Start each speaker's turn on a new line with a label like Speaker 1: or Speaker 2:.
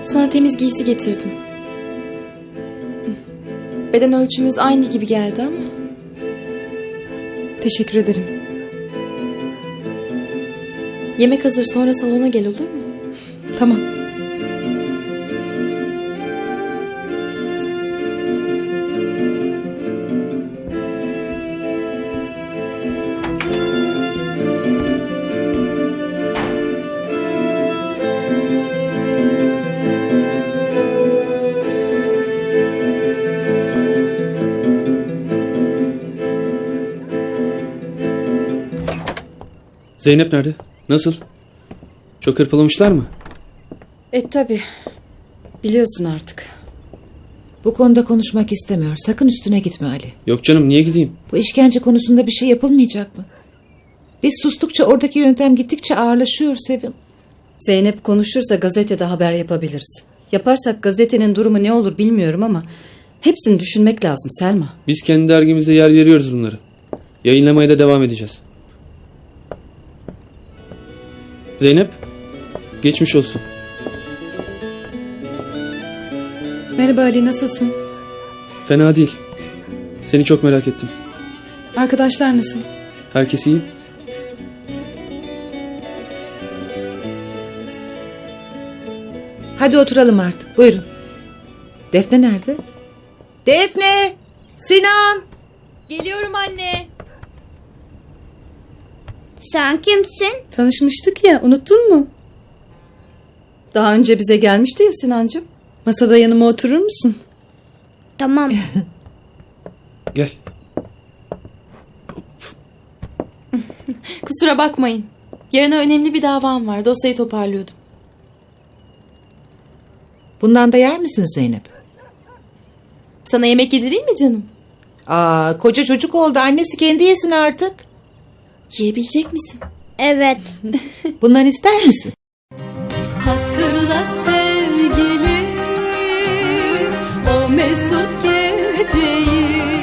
Speaker 1: Sana temiz giysi getirdim. Beden ölçümüz aynı gibi geldi ama.
Speaker 2: Teşekkür ederim.
Speaker 1: Yemek hazır, sonra salona gel, olur mu?
Speaker 2: Tamam.
Speaker 3: Zeynep nerede? Nasıl? Çok hırpalamışlar mı?
Speaker 2: Tabii. Biliyorsun artık.
Speaker 4: Bu konuda konuşmak istemiyor. Sakın üstüne gitme Ali.
Speaker 3: Yok canım, niye gideyim?
Speaker 4: Bu işkence konusunda bir şey yapılmayacak mı? Biz sustukça oradaki yöntem gittikçe ağırlaşıyor Sevim.
Speaker 2: Zeynep konuşursa gazetede haber yapabiliriz. Yaparsak gazetenin durumu ne olur bilmiyorum ama hepsini düşünmek lazım Selma.
Speaker 3: Biz kendi dergimizde yer veriyoruz bunları. Yayınlamaya da devam edeceğiz. Zeynep, geçmiş olsun.
Speaker 2: Merhaba Ali, nasılsın?
Speaker 3: Fena değil. Seni çok merak ettim.
Speaker 2: Arkadaşlar nasıl?
Speaker 3: Herkes iyi.
Speaker 4: Hadi oturalım artık. Buyurun. Defne nerede? Defne! Sinan!
Speaker 1: Geliyorum anne.
Speaker 5: Sen kimsin?
Speaker 2: Tanışmıştık ya, unuttun mu? Daha önce bize gelmişti ya Sinancığım. Masada yanıma oturur musun?
Speaker 5: Tamam.
Speaker 3: Gel.
Speaker 1: Kusura bakmayın. Yarına önemli bir davam var. Dosyayı toparlıyordum.
Speaker 4: Bundan da yer misin Zeynep?
Speaker 1: Sana yemek yedireyim mi canım?
Speaker 4: Koca çocuk oldu. Annesi kendi yesin artık.
Speaker 1: Yiyebilecek misin?
Speaker 5: Evet.
Speaker 4: Bundan ister misin?
Speaker 6: Hatırla sevgilim o mesut geceyi.